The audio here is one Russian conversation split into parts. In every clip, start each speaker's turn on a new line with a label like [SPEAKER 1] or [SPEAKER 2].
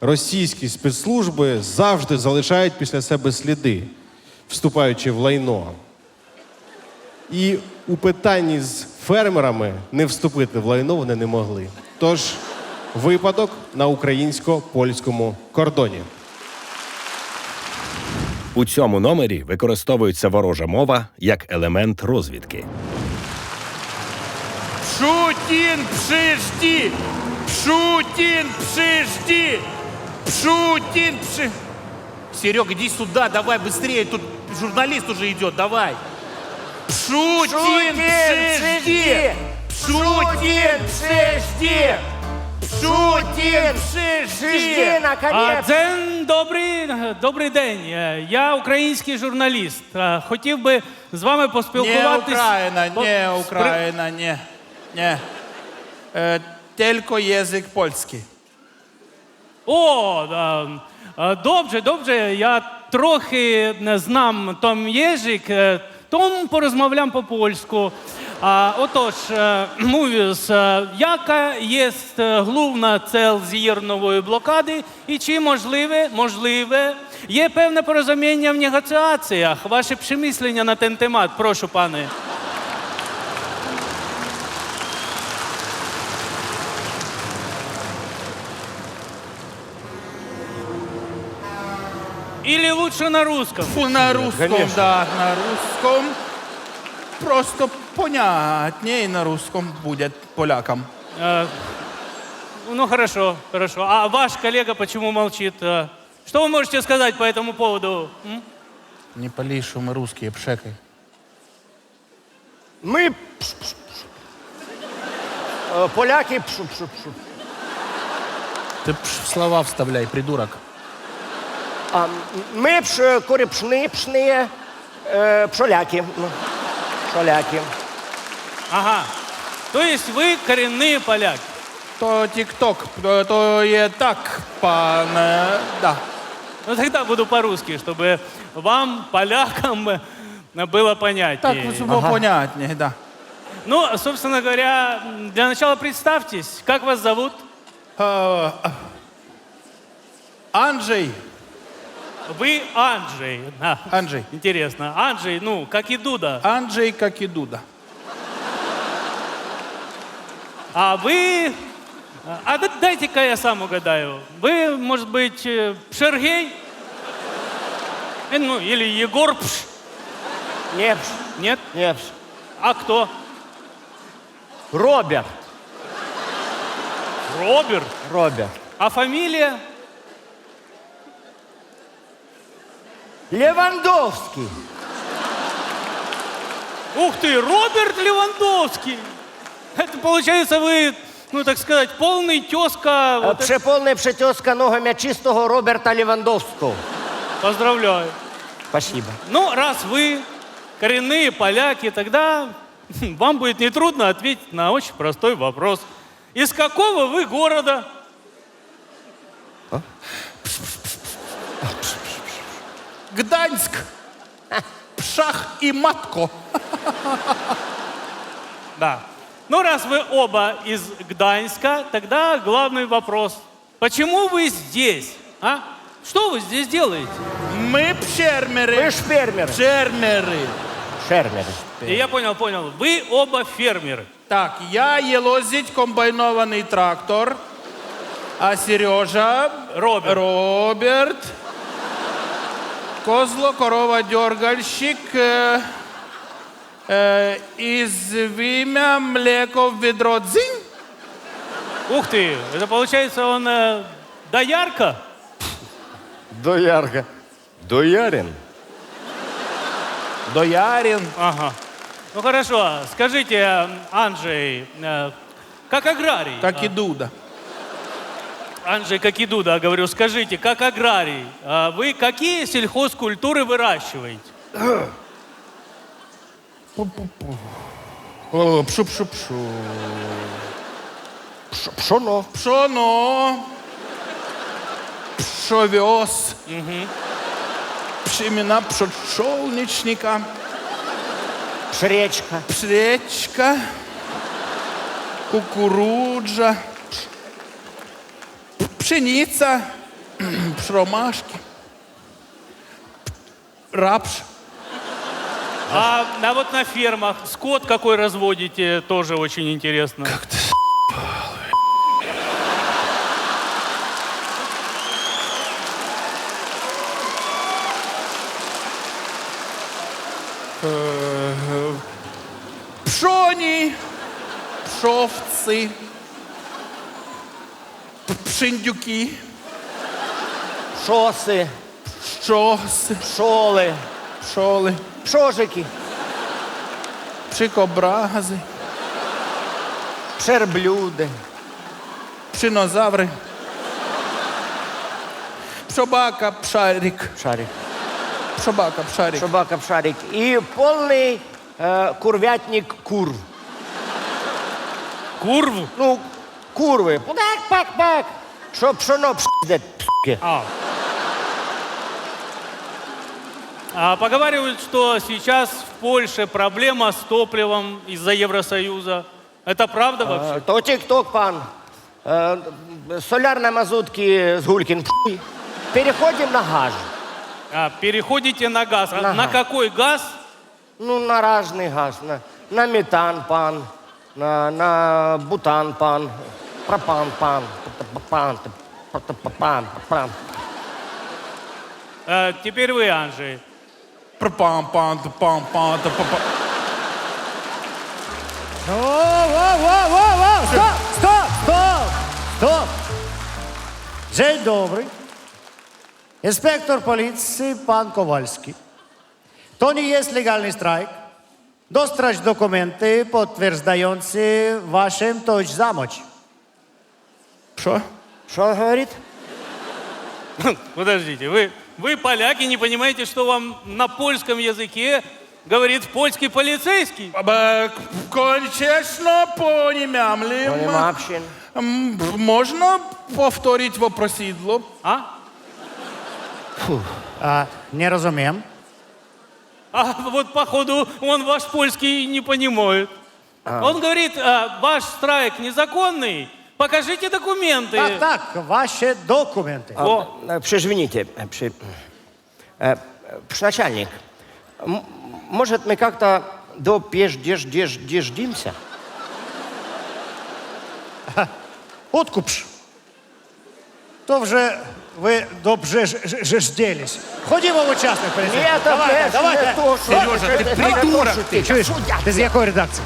[SPEAKER 1] російські спецслужби завжди залишають після себе сліди, вступаючи в лайно. І у питанні з фермерами не вступити в лайно вони не могли. Тож, випадок на українсько-польському кордоні.
[SPEAKER 2] У цьому номері використовується ворожа мова як елемент розвідки.
[SPEAKER 3] Пшутин, пшижди! Пшутин, пшижди! Пшутин, пши... Серега, иди сюда, давай быстрее, тут журналист уже идет, давай. Пшутин, пшижди! Пшутин, пшижди! Пшутин, пшижди!
[SPEAKER 4] Дзен, добрий день. Я український журналіст. Хотів би з вами
[SPEAKER 3] Не
[SPEAKER 4] поспілкуватись.
[SPEAKER 3] Україна, не Україна, не. Не. Тільки язик польський.
[SPEAKER 4] О, добре. Я трохи знам tom єжик, тому порозмовлям по-польську. Отож, mówiąc, jaka jest główna cel ziernowej blokady i czy możliwe є певне порозуміння в негоціаціях? Ваші przemyślenia на ten temat, прошу, пане. Или лучше на русском?
[SPEAKER 3] Фу, на русском,
[SPEAKER 1] конечно.
[SPEAKER 3] да, на русском. Просто понятнее на русском будет полякам.
[SPEAKER 4] Ну, хорошо. А ваш коллега почему молчит? Что вы можете сказать по этому поводу?
[SPEAKER 3] Не пали, что мы русские, пшекай.
[SPEAKER 5] Ми поляки пшу-пшу-пшу.
[SPEAKER 3] Ты слова вставляй, придурок.
[SPEAKER 5] Ми пшни, пшоляки. Поляки.
[SPEAKER 4] Ага. То есть вы коренные поляки?
[SPEAKER 3] То тик-ток, то и так, пан, да.
[SPEAKER 4] Ну, тогда буду по-русски, чтобы вам, полякам, было понятнее.
[SPEAKER 3] Так, чтобы понятнее, да.
[SPEAKER 4] Ну, собственно говоря, для начала представьтесь. Как вас зовут?
[SPEAKER 3] Анджей.
[SPEAKER 4] Вы Анджей.
[SPEAKER 3] Анджей.
[SPEAKER 4] Интересно. Анджей, ну, как и Дуда.
[SPEAKER 3] Анджей, как и Дуда.
[SPEAKER 4] А вы... дайте-ка я сам угадаю. Вы, может быть, Шергей? Ну, или Егор Пш?
[SPEAKER 5] Ні,
[SPEAKER 4] Нет?
[SPEAKER 5] ні.
[SPEAKER 4] А кто?
[SPEAKER 5] Роберт.
[SPEAKER 4] Роберт. А фамилия?
[SPEAKER 5] Левандовський.
[SPEAKER 4] Ух ты, Роберт Левандовский! Это, получается, вы, ну, так сказать, полный тезка... вот это-
[SPEAKER 5] Пшеповний пшетьоска ногами чистого Роберта Левандовського.
[SPEAKER 4] Поздравляю.
[SPEAKER 5] Спасибо.
[SPEAKER 4] Ну, раз вы коренные поляки, тогда вам будет нетрудно ответить на очень простой вопрос. Из какого вы города?
[SPEAKER 3] Гданьск. Пшах и матко.
[SPEAKER 4] Да. Ну, раз вы оба из Гданьска, тогда главный вопрос. Почему вы здесь? А? Что вы здесь делаете?
[SPEAKER 3] Мы пшермеры.
[SPEAKER 5] Ви ж фермери.
[SPEAKER 3] Пшермеры.
[SPEAKER 5] Шермери.
[SPEAKER 4] Я понял. Вы оба фермеры.
[SPEAKER 3] Так, я елозить комбайнованный трактор, а Сережа... Роберт. Козло, корова, дергальщик. Из вимя млеко в ведро дзинь.
[SPEAKER 4] Ух ты, это получается он доярка?
[SPEAKER 5] Доярка. Доярин.
[SPEAKER 3] Доярин.
[SPEAKER 4] Ага. Ну хорошо, скажите, Анджей, как аграрий?
[SPEAKER 3] Как и Дуда.
[SPEAKER 4] Анджей, как и Дуда, говорю, скажите, как аграрий, вы какие сельхозкультуры выращиваете?
[SPEAKER 3] Пшу-пшу-пшу.
[SPEAKER 5] Пшоно.
[SPEAKER 3] Пшоно. Пшовес. Пшемена пшольничника.
[SPEAKER 5] Пшречка.
[SPEAKER 3] Пшречка. Кукуруджа. Пшениця. Ромашки. Рапш.
[SPEAKER 4] А вот на фермах скот какой разводите, тоже очень интересно.
[SPEAKER 3] Пшоні. Пшовці. Пшендюки.
[SPEAKER 5] Шоси,
[SPEAKER 3] Щоси.
[SPEAKER 5] пшоли,
[SPEAKER 3] Пшоли.
[SPEAKER 5] пшожики,
[SPEAKER 3] Пшикобрази.
[SPEAKER 5] пшерблюди,
[SPEAKER 3] Пшинозаври. Пшобака, пшарик.
[SPEAKER 5] шарик,
[SPEAKER 3] Пшобака, пшарик.
[SPEAKER 5] собака, пшарик. І повний курвятник курв.
[SPEAKER 4] Курв?
[SPEAKER 5] Ну, курви. Пак-пак-пак. Що пшоно пшдять, пски.
[SPEAKER 4] А поговаривают, что сейчас в Польше проблема с топливом из-за Евросоюза. Это правда вообще?
[SPEAKER 5] То тік-ток, пан. Солярна мазутки з Гулькін. Пшуй. Переходимо на газ.
[SPEAKER 4] Переходите на газ. А
[SPEAKER 5] На
[SPEAKER 4] на
[SPEAKER 5] газ.
[SPEAKER 4] какой газ?
[SPEAKER 5] Ну, на разний газ. На метан, пан. На бутан, пан. Пропан, пан. Пан. Пан.
[SPEAKER 4] Теперь вы, Анжей.
[SPEAKER 3] Пам-пам-пам-пам-пам-пам.
[SPEAKER 6] Стоп! Dzień dobry. Inspektor policji, pan Kowalski. To nie jest legalny strajk. Dostać dokumenty potwierdzające waszą tożsamość.
[SPEAKER 3] Що?
[SPEAKER 5] Що він говорить?
[SPEAKER 4] Подождите, вы поляки, не понимаете, что вам на польском языке говорит польский полицейский?
[SPEAKER 3] Конечно, понімямлім.
[SPEAKER 5] Понімавщин.
[SPEAKER 3] Можна повторити вопросідло?
[SPEAKER 4] А?
[SPEAKER 6] Nie rozumiem.
[SPEAKER 4] А вот походу он ваш польский не понимает. Он говорит, ваш страйк незаконный, покажите документы.
[SPEAKER 6] Tak, wasze dokumenty.
[SPEAKER 4] О,
[SPEAKER 5] Извините, начальник, может, мы как-то допеждеждимся?
[SPEAKER 6] Откупш. То вже ви добжежділись. Ходімо в учасник поліцейський.
[SPEAKER 5] Нет,
[SPEAKER 6] Давайте.
[SPEAKER 3] Сережа, ти придурок ти.
[SPEAKER 6] Чуєш? Ти з якої редакції?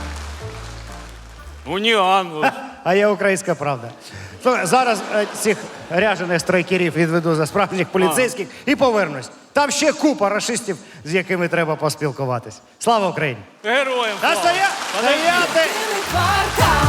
[SPEAKER 4] униан.
[SPEAKER 6] А я українська правда. Слухай, зараз цих ряжених страйкерів відведу за справжніх поліцейських і повернусь. Там ще купа рашистів, з якими треба поспілкуватись. Слава Україні!
[SPEAKER 4] Героям слава.
[SPEAKER 6] Стояти!
[SPEAKER 7] Квартал.